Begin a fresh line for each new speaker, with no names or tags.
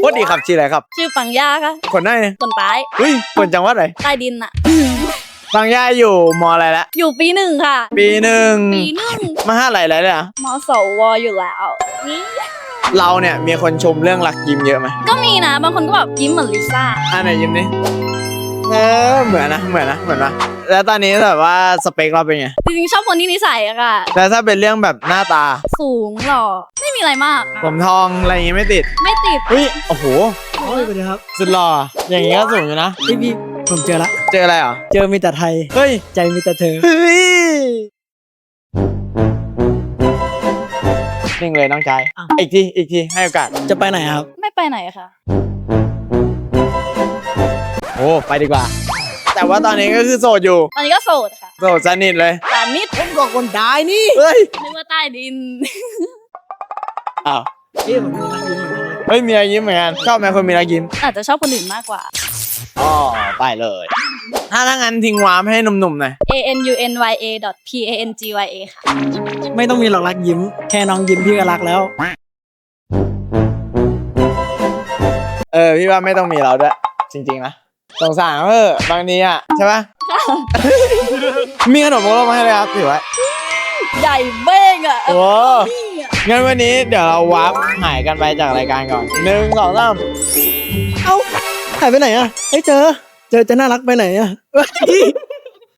ว่าดีครับชื่ออะไรครับ
ชื่อปังย่าค่ะ
คนไหน
คนใต้
คนจังหวัดไหน
ใต้ดินอะ
บางย่าอยู่มออะไรละ
อยู่ปีหนึ่งค่ะ
ปีหนึ่ง
ปีหนึ่ง
มหาลัยอะไรเลยอ่ะ
มสวอยู่แล้วนี่
เราเนี่ยมีคนชมเรื่องรักยิ้มเยอะไหม
ก็มีนะบางคนก็แบบยิ้มเหมือนลิซ่า
ไหนยิ้มนี่เหมือนนะแล้วตอนนี้แบบว่าสเปคเราเป็นไง
จริงๆชอบคนที่นิสัยอะค่ะ
แล้วถ้าเป็นเรื่องแบบหน้าตา
สูงหล่อไม่มีอะไรมากอะ
ผมทองอะไรอย่างงี้ไม่ติดโอ้โห
โอ้ยสวัสดีครับ
สุดหล่ออย่างงี้ก็สูงอยู่นะ
พี่ผมเจอละ
เจออะไรเหรอ
เจอมีแต่ไทยใจมีแต่เธอ
นิ่งเลยน้องชายอีกทีให้โอกาส
จะไปไหนครับ
ไม่ไปไหนค่ะ
โอ้ไปดีกว่าแต่ว่าตอนนี้ก็คือโสดอยู่
ตอนนี้ก็โสดค่ะ
โสดสนิทเลย
แต่นิด
ผมก็คนได้นี่
นึกว่าใต้ดิน
อ้าว
ผมมีรักยิ้มเหมือนกัน
มีรอยยิ้มเหมือนกันชอบไหมคนมีรอยยิ้ม
อาจจะชอบคนอื่นมากกว่า
อ๋อไปเลยถ้างั้นทิ้งวามให้หนุ่มๆหน่อย
anunya.pangya ค่ะ
ไม่ต้องมีหรอกรักยิ้มแค่น้องยิ้มพี่ก็รักแล้ว
พี่ว่าไม่ต้องมีเราด้วยจริงๆนะสงสารบางทีอ่ะใช่ปะ มีขนมโมโลมาให้เลยครับถือไว้
ใหญ่เบ้งอ่ะ
โอ้งั้นวันนี้เดี๋ยวเราวาร์ปหายกันไปจากรายการก่อน1 2 3
เอ้าหายไปไหนอ่ะเจอจะน่ารักไปไหนอ่ะ